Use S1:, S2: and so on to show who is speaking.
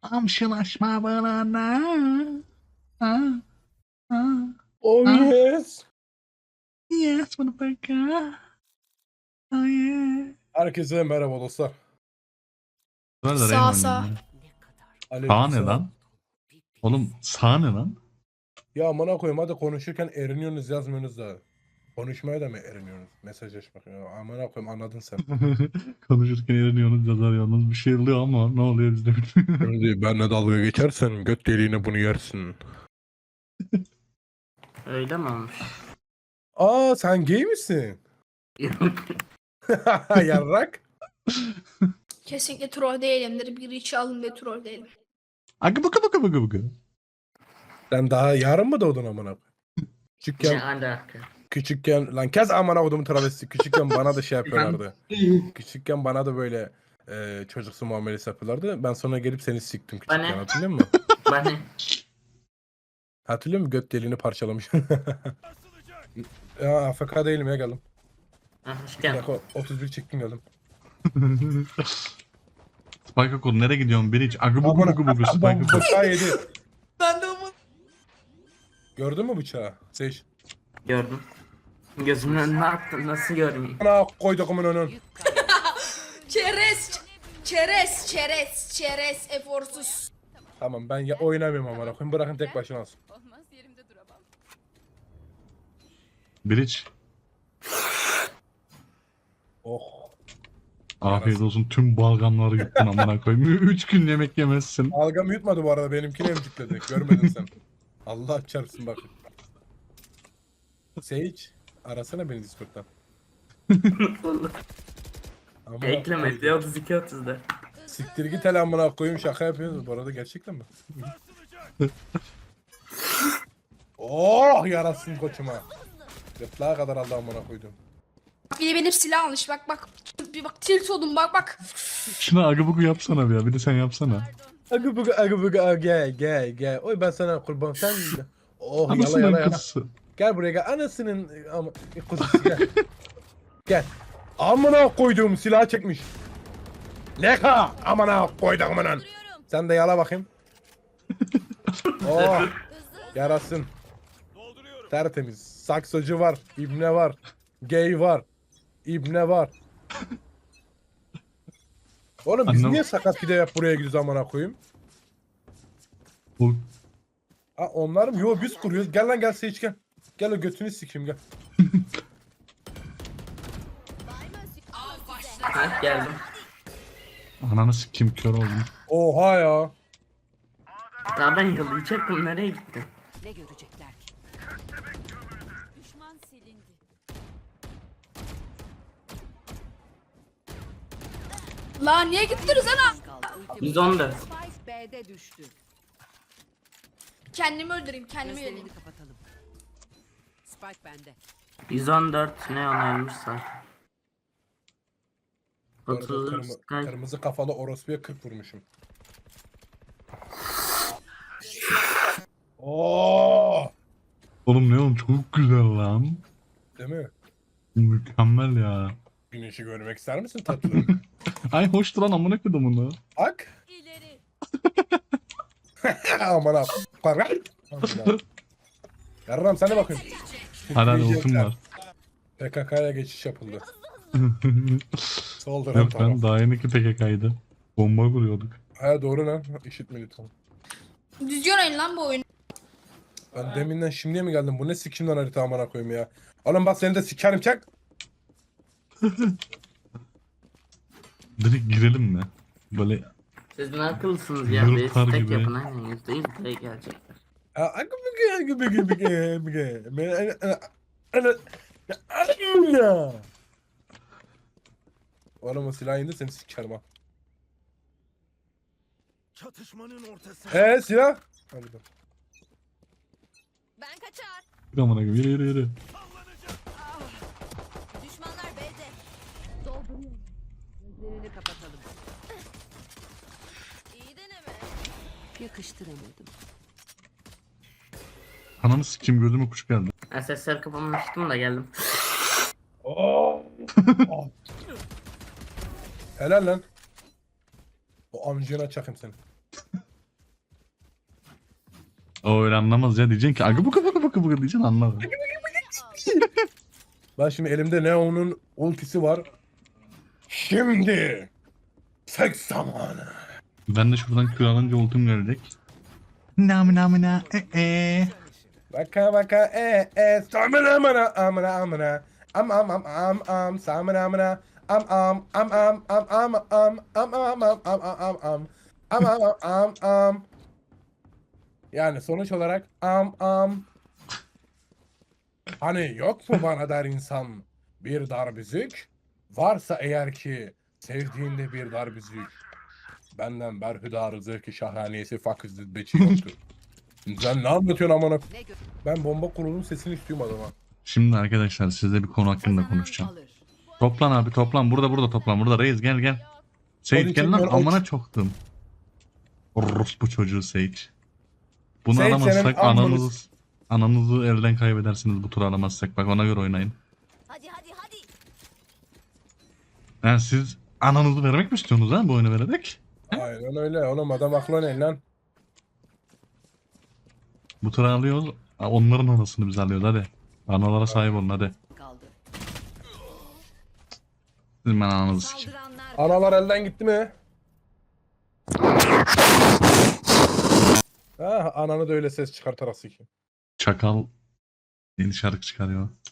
S1: Amşılaşma bana. Ha, ha,
S2: Oh
S1: ha.
S2: yes.
S1: Yes, motherfucker. Oh yeah.
S2: Herkese merhaba dostlar.
S1: Böyle
S3: Sağ,
S1: Rain
S3: sağ.
S1: oynayayım ya. Sağ ne
S2: Aleykümselam.
S1: lan? Oğlum sağ ne lan?
S2: Ya amına koyayım, hadi konuşurken eriniyorsunuz, yazmıyorsunuz da. Konuşmaya da mı eriniyorsunuz? Mesajlaşmak. Ya amına koyayım, anladın sen.
S1: Konuşurken eriniyorsunuz, yazarıyorsunuz. Bir şey oluyor ama ne oluyor biz de bilmiyoruz.
S2: Şimdi benle dalga geçersen göt deliğine bunu yersin.
S4: Öyle mi olmuş?
S2: Aa, sen gay misin? Yarrak.
S3: Kesinlikle troll değilimdir. Bir içi alın ve troll değilim.
S1: Akı bıkı bıkı bıkı bıkı.
S2: Sen daha yarın mı doğdun amına koyayım?
S4: Ne
S2: Küçükken,
S4: alaka?
S2: küçükken lan kes amına kodumun travesti. Küçükken bana da şey yapıyorlardı. Küçükken bana da böyle çocuksu muamelesi yapıyorlardı. Ben sonra gelip seni siktim küçükken,
S4: Bana?
S2: hatırlıyor musun?
S4: Bana
S2: Hatırlıyor musun? Göt deliğini parçalamış. Ya AFK değilim ya, geldim.
S4: hoş geldin.
S2: Dakika 31 çektim, geldim.
S1: Spike kol nereye gidiyorsun Biriç? Akı bıkı bıkı bıkı Spike kol.
S2: Bıçağı yedi.
S3: Ben de ama.
S2: Gördün mü bıçağı? Seç.
S4: Gördüm. Gözümün önüne attın, nasıl görmeyeyim?
S2: Ana koyduğumun önün.
S3: Çerez. Çerez. Çerez. Çerez. Eforsuz.
S2: Tamam, ben ya oynamıyorum amına koyayım. Bırakın tek başına alsın.
S5: Olmaz yerimde duramam.
S1: Biriç.
S2: Oh.
S1: Afiyet olsun, tüm balgamları yuttun amına koyayım. 3 gün yemek yemezsin.
S2: Algam yutmadı bu arada, benimkini emcikledi. Görmedin sen. Allah çarpsın bak. Sage, arasana beni Discord'dan. Amına
S4: Ekleme
S2: koyayım.
S4: diyor 32-30'da.
S2: Siktir git hele amına koyayım, şaka yapıyorsunuz bu arada, gerçekten mi? Oh, yarasın koçuma. Gırtlağa kadar aldı amına koydum.
S3: Bir de benim silah almış. Bak bak. Bir bak tilt oldum bak bak.
S1: Şuna agı bıkı yapsana bir ya. Bir de sen yapsana.
S2: Agı bıgı gel. Oy ben sana kurban, sen. Oh, yala
S1: Anasının
S2: yala yala.
S1: kızısı.
S2: Gel buraya gel. Anasının ama kuzusu gel. Gel. Amına koyduğum silahı çekmiş. Leka amına koydum amına. Sen de yala bakayım. Oh. Yarasın. Tertemiz. Saksıcı var. İbne var. Gay var. İbne var. Oğlum biz
S1: Anlam-
S2: niye sakat gide yap buraya gidiyoruz amına koyayım?
S1: Bu
S2: Ha, onlar mı? Yo, biz kuruyoruz. Gel lan, gel Sage gel. Gel, o götünü sikeyim gel.
S4: Ha geldim.
S1: ananı sikim kör oldum.
S2: Oha ya.
S4: Daha ben yalayacaktım, nereye gittin?
S5: Ne görecekler ki? Düşman silindi.
S3: Lan niye gittiniz ana?
S5: Kaldı. Ultim
S4: 114.
S5: Spike B'de düştü.
S3: Kendimi öldüreyim. Kendimi
S5: Gözlerini
S3: öldüreyim.
S5: kapatalım. Spike bende.
S4: 114 ne onaymışsa.
S2: Bu arada
S4: 30 Sky.
S2: kırmızı kafalı orospuya 40 vurmuşum. Oo!
S1: Oğlum ne oğlum, çok güzel lan.
S2: Değil mi?
S1: Mükemmel ya.
S2: Güneşi görmek ister misin tatlım?
S1: Ay hoştu lan, amına koydum bunu.
S2: Bak.
S5: İleri.
S2: Aman abi. Para. Yarram sen de bakın.
S1: Hadi hadi ultim var.
S2: PKK'ya geçiş yapıldı. Solduran
S1: Yok
S2: tamam.
S1: lan, daha yeni ki PKK'ydı. Bomba kuruyorduk.
S2: Ha doğru lan. İşitme lütfen.
S3: Düzgün oynayın lan bu oyunu.
S2: Ben deminden şimdiye mi geldim? Bu ne sikimden harita amına koyayım ya. Oğlum bak, seni de sikerim çak.
S1: Direkt girelim mi? Böyle
S4: Siz ne akıllısınız ya,
S1: Yurtlar
S4: bir tek
S1: gibi.
S4: yapın aynen %100 buraya gelecekler.
S2: Oğlum o silah indi, seni sikerim ha.
S6: Çatışmanın ortası.
S2: Silah? Hadi bak.
S5: Ben kaçar.
S1: amına koyayım, yürü yürü yürü.
S5: Düşmanlar B'de. Dolduruyorum. Gözlerini kapatalım. İyi deneme. Yakıştıramadım.
S1: Ananı sikim, gözüme kuş geldi.
S4: Ben sesleri kapamıştım da geldim.
S2: Oo. Helal lan. O amcığına çakayım seni.
S1: O öyle anlamaz ya. Diyeceksin ki agı buka buka buka buka diyeceksin anlar.
S2: Ben şimdi elimde Neo'nun ultisi var. Şimdi seks zamanı.
S1: Ben de şuradan kür alınca ultim gelecek. Namına
S2: Baka baka samına amına amına amına am samına amına am yani sonuç olarak hani yok mu bana der insan bir darbüzük varsa eğer ki sevdiğinde bir darbüzük benden berhüdarı zevki şahaniyesi faküzdü beçi yoktur. Sen ne anlatıyorsun amına?
S5: Ne gö-
S2: Ben bomba kurulunun sesini istiyorum adama.
S1: Şimdi arkadaşlar sizle bir konu hakkında
S5: Kazanan
S1: konuşacağım.
S5: alır.
S1: Toplan abi toplan. Burada toplan. Burada reis gel. Sage
S2: Hadi
S1: gel
S2: çek
S1: lan
S2: ben
S1: amına çoktum. Orospu çocuğu Sage. Bunu
S2: Sage
S1: alamazsak
S2: senin amını
S1: ananızı elden kaybedersiniz bu tur alamazsak. Bak ona göre oynayın.
S5: Hadi.
S1: Yani siz ananızı vermek mi istiyorsunuz ha bu oyunu vererek?
S2: Aynen öyle oğlum adam aklı ne lan?
S1: Bu tur alıyoruz. Onların anasını biz alıyoruz hadi. Analara sahip olun hadi.
S5: Kaldı.
S1: Sizin ben ananızı sikeyim.
S5: Saldıranlar
S2: Analar elden gitti mi? Ah ananı da öyle ses çıkartarak sikeyim.
S1: Çakal yeni şarkı çıkarıyor.